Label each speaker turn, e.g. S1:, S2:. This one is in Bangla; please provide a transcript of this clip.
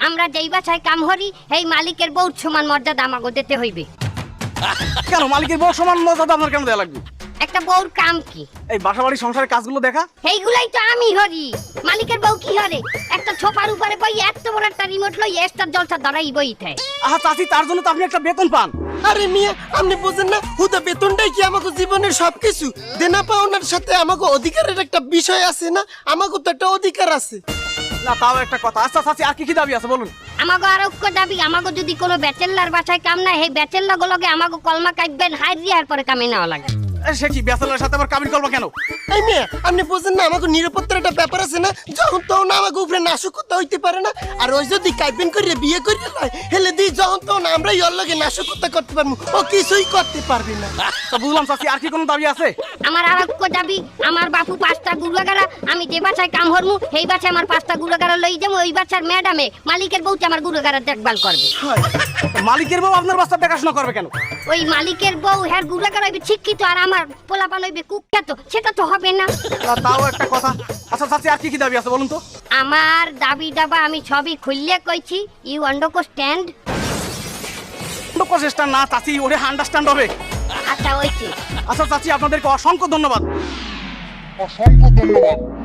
S1: আমরা যেই বাসায় কাম করি এই মালিকের বউর সমান মর্যাদা আমাকে দিতে হইবে।
S2: কেন মালিকের বউ সমান মর্যাদা আপনার কেন দেয়া লাগবে?
S1: একটা বউর কাম কি?
S2: এই বাসা বাড়ি সংসারের কাজগুলো দেখা।
S1: এইগুলাই তো আমি হরি। মালিকের বউ কি হরে? একটা ছোপার উপরে বই এত বড় একটা রিমোট লই স্টার জলসা ধরাই বইতে।
S2: আহা চাচি, তার জন্য তো আপনি একটা বেতন পান।
S3: আরে মিয়া, আপনি বুঝেন না, হুদা বেতনটাই কি আমাকে জীবনের সবকিছু? দেনা পাওনার সাথে আমাকে অধিকারের একটা বিষয় আছে না? আমাকে তো একটা অধিকার আছে।
S2: না তাও একটা কথা। আচ্ছা চাচি, আর কি কি দাবি আছে বলুন?
S1: আমাকে আরোগ্য দাবি, আমাকে যদি কোনো ব্যাচেলার বাসায় কাম না, এই ব্যাচেলার গুলোকে আমাকে কলমা কাটবেন, হাইরিয়ার পরে কামে নেওয়া লাগে।
S2: সে কি ব্যাচেলারের সাথে আবার কাবিন করবো কেন?
S3: এই মিয়া, আপনি বুঝেন না, আমাকে নিরাপত্তার একটা ব্যাপার আছে না? যখন তখন আমাকে উপরে নাশকতা হইতে পারে না। আর ওই যদি কাইবেন করিয়ে বিয়ে করিয়ে লয়, হেলে দিই যখন তখন আমরাই ওর লগে নাশকতা করতে পারবো, ও কিছুই করতে পারবে না।
S2: তা বুঝলাম চাচি, আর কি কোনো দাবি আছে?
S1: আমার আরোগ্য দাবি, আমার বাপু 5টা গুলাগারা, আমি যে বাসায় কাম হরমু এই বাসায় আমার 5টা গুলাগারা লই যাবো। ওই বাসার ম্যাডামে মালিকের বউতে আমার গুলাগারা দেখভাল করবে।
S2: মালিকের বউ আপনার বাচ্চা দেখাশোনা করবে কেন?
S1: ওই মালিকের বউ হ্যাঁ গুলাগারা হইবে শিক্ষিত, আর আমার পোলাপান হইবে কুখ্যাত, সেটা তো হবে না।
S2: তাও একটা কথা। আচ্ছা চাচি, আর কি কি দাবি আছে বলুন তো?
S1: আমার দাবি দাবা আমি সবই খুললে কইছি, ইউ আন্ডারস্ট্যান্ড?
S2: প্রচেষ্টা না চাচি, ওরে আন্ডারস্ট্যান্ড হবে।
S1: আচ্ছা ওইছি।
S2: আচ্ছা চাচি, আপনাদেরকে অসংখ্য ধন্যবাদ।
S4: অসংখ্য ধন্যবাদ।